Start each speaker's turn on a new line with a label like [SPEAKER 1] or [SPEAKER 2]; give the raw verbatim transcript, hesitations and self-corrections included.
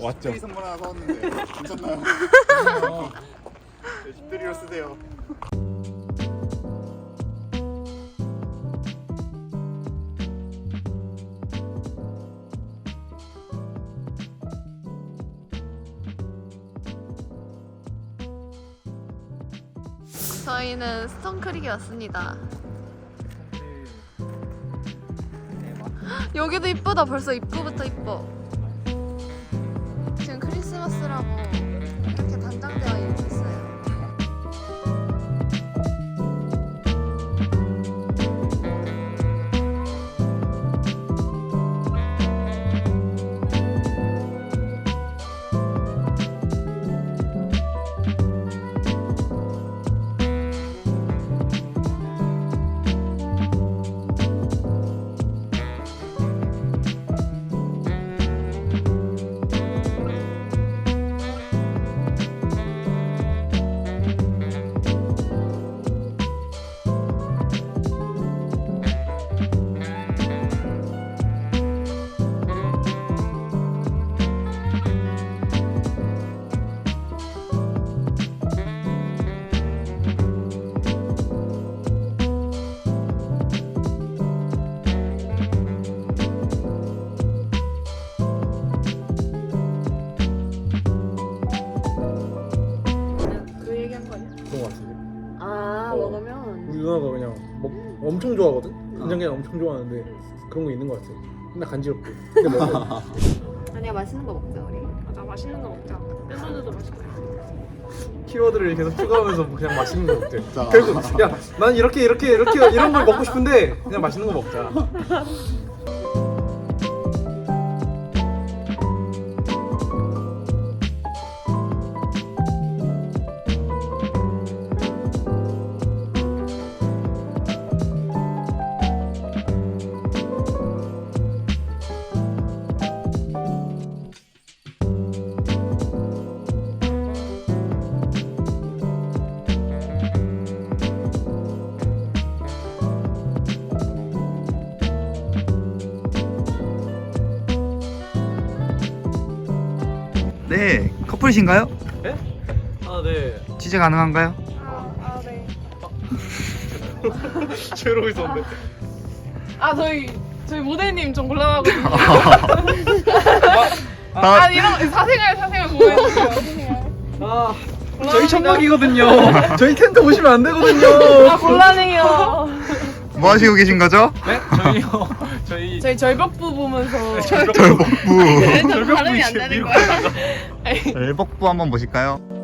[SPEAKER 1] 왔죠.
[SPEAKER 2] 집들이 선물 하나 사왔는데 괜찮나요? 네, 집들이로 쓰세요.
[SPEAKER 3] 저희는 스톤크릭에 왔습니다. 여기도 이쁘다. 벌써 입구부터 이뻐. 지금 크리스마스라고 이렇게 단장되어 있어요. 그 얘기한 거 아니야?
[SPEAKER 1] 그런 거 같은데.
[SPEAKER 3] 아
[SPEAKER 1] 어.
[SPEAKER 3] 먹으면
[SPEAKER 1] 우리 누나가 그냥 먹, 엄청 좋아하거든? 간장게장 엄청 좋아하는데 그런 거 있는 거 같아. 맨날 간지럽고. 근데 먹어.
[SPEAKER 3] 아니야 맛있는 거 먹자 우리.
[SPEAKER 4] 맞아, 맛있는 거 먹자. 샐러드도 맛있고.
[SPEAKER 1] 키워드를 계속 추가하면서 그냥 맛있는 거 먹대.
[SPEAKER 2] 자.
[SPEAKER 1] 결국 야, 난 이렇게 이렇게 이렇게 이런 걸 먹고 싶은데 그냥 맛있는 거 먹자.
[SPEAKER 2] 네, 커플이신가요?
[SPEAKER 1] 네? 아 네.
[SPEAKER 2] 취재 가능한가요?
[SPEAKER 4] 아, 아 네.
[SPEAKER 1] 저러고 있었는데.
[SPEAKER 4] 아 저희 저희 모델님 좀 곤란하거든요.
[SPEAKER 2] 아,
[SPEAKER 4] 아 이런 사생활 사생활 보여주세요.
[SPEAKER 1] 아 저희 천막이거든요. 저희 텐트 보시면 안 되거든요.
[SPEAKER 4] 아 곤란해요.
[SPEAKER 2] 뭐 하시고 계신 거죠?
[SPEAKER 1] 네? 저희요. 저희
[SPEAKER 4] 저희 절벽부 보면서
[SPEAKER 2] 절복부.
[SPEAKER 3] 발음이 안 되는 거야.
[SPEAKER 2] 절복부 한번 보실까요?